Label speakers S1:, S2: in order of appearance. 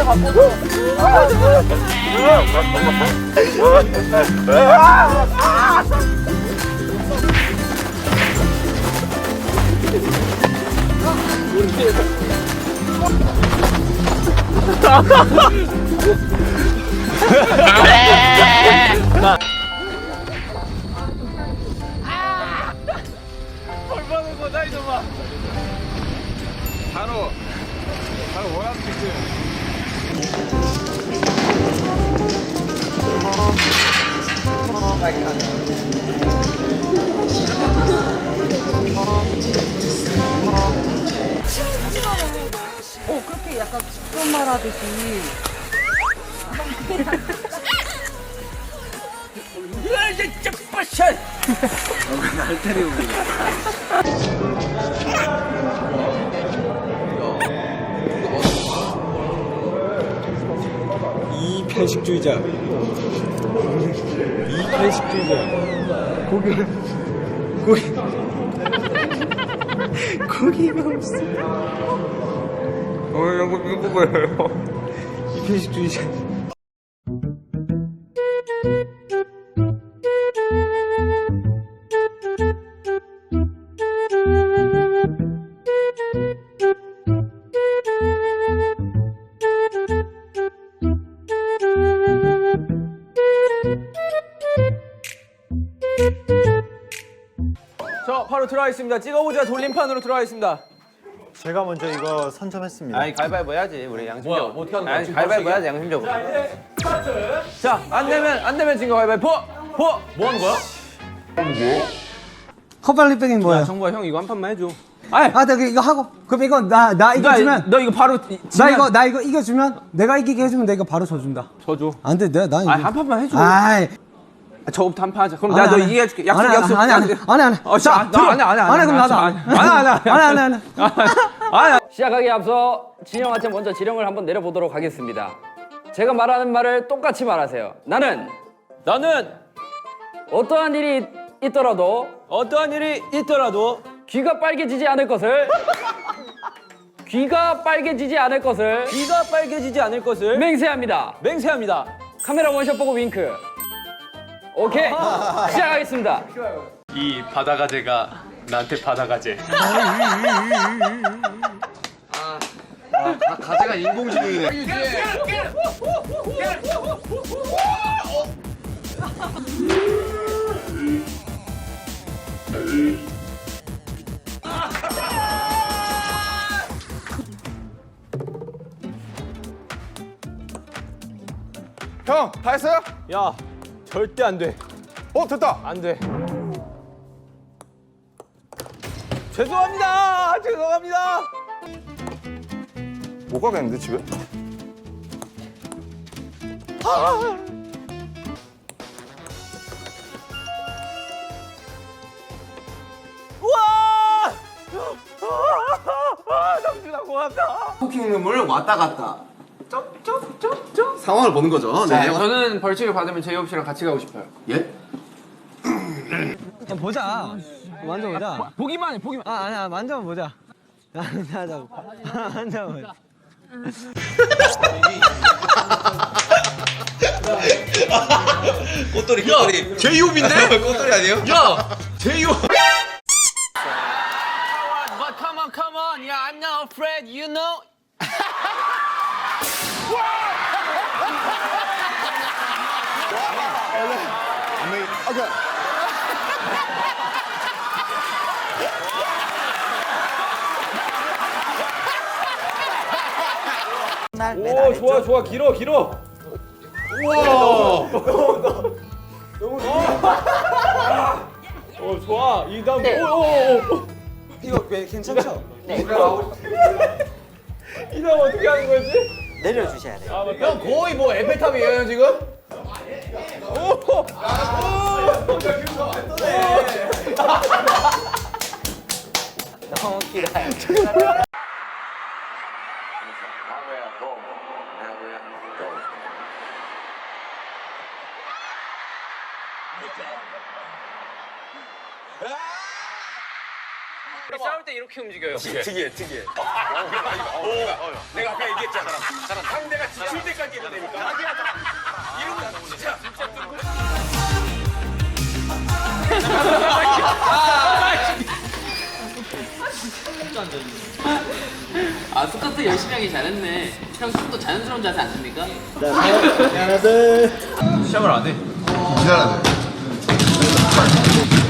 S1: 바꿔줘.
S2: 얼마나 거다 이놈아. 바로 원함
S3: 그렇게 약간 직선 말하듯이.
S1: 날 때리고 그래.
S2: 이 편식주의자. 이 편식주의자. 고기가 없어. 이거 뭐예요? 이 편식주의자.
S4: 자, 바로 들어가겠습니다. 찍어보자 돌림판으로 들어가겠습니다.
S5: 제가 먼저 이거 선점했습니다.
S4: 아니, 가위바위보 해야지. 우리 양심적으로.
S1: 뭐야, 어떻게 하는 거야?
S4: 아니,
S1: 지금
S4: 가위바위보 해야지, 양심적으로. 자, 안 되면 진거 가위바위보. 뭐 하는 거야?
S6: 컵발리백이 뭐야?
S4: 정보야, 형 이거 한 판만 해줘.
S6: 아, 내가 이거 하고. 그럼 이거 나 이거 주면
S4: 너 이거 바로
S6: 나 이거 이겨주면 내가 이기게 해주면 내가 이거 바로 져준다.
S4: 져줘.
S6: 안 돼, 나 이거.
S4: 아니, 한 판만 해줘.
S6: 아이,
S4: 저부터 한 판 하자. 그럼 내가 너 이기게 해줄게. 약속.
S6: 안 해.
S4: 자,
S6: 안 해.
S4: 들어. 안 해.
S6: 그럼 나도 안 해.
S3: 시작하기에 앞서 진영한테 먼저 지령을 한번 내려보도록 하겠습니다. 제가 말하는 말을 똑같이 말하세요. 나는 어떠한 일이 있더라도 귀가 빨개지지 않을 것을 맹세합니다. 카메라 원샷 보고 윙크. 오케이, 시작하겠습니다.
S2: 이 바다가재가 나한테 바다가재.
S1: 가재가 인공지능이네.
S2: 형, 다 했어요?
S4: 야, 절대 안 돼.
S2: 됐다.
S4: 안 돼. 죄송합니다.
S2: 못 가겠는데 집에?
S4: 우와! 정준아 고맙다.
S1: 쿠킹룸을 왔다 갔다. 상황을 보는 거죠. 네.
S4: 저는 벌칙을 받으면 제이홉 씨랑 같이 가고 싶어요.
S1: 예?
S6: 보자. 만져보자.
S4: 보기만 해.
S6: 아니야, 만져보자. 하자고. 만져보자.
S1: 꽃돌이. 제이홉인데? 꽃돌이 아니에요? 야! 제이홉!
S4: But come on, yeah, I'm not afraid, you know. 오, 좋아, 길어. 우와. 너무 좋아. 좋아. 이 다음. 오.
S6: 이거 괜찮죠?
S4: 이 다음 어떻게 하는 거지?
S6: 내려주셔야 돼요.
S4: 형 거의 뭐 에펠탑이에요 지금?
S6: 너무 길어요.
S4: 싸울 때 이렇게 움직여요.
S2: 특이해. 내가 아까 얘기했잖아. 상대가
S7: 아 스쿼트 열심히 하기 잘했네. 형 숨도 자연스러운 자세 안 됩니까?
S1: 시작을 안 해.
S8: 미안하네.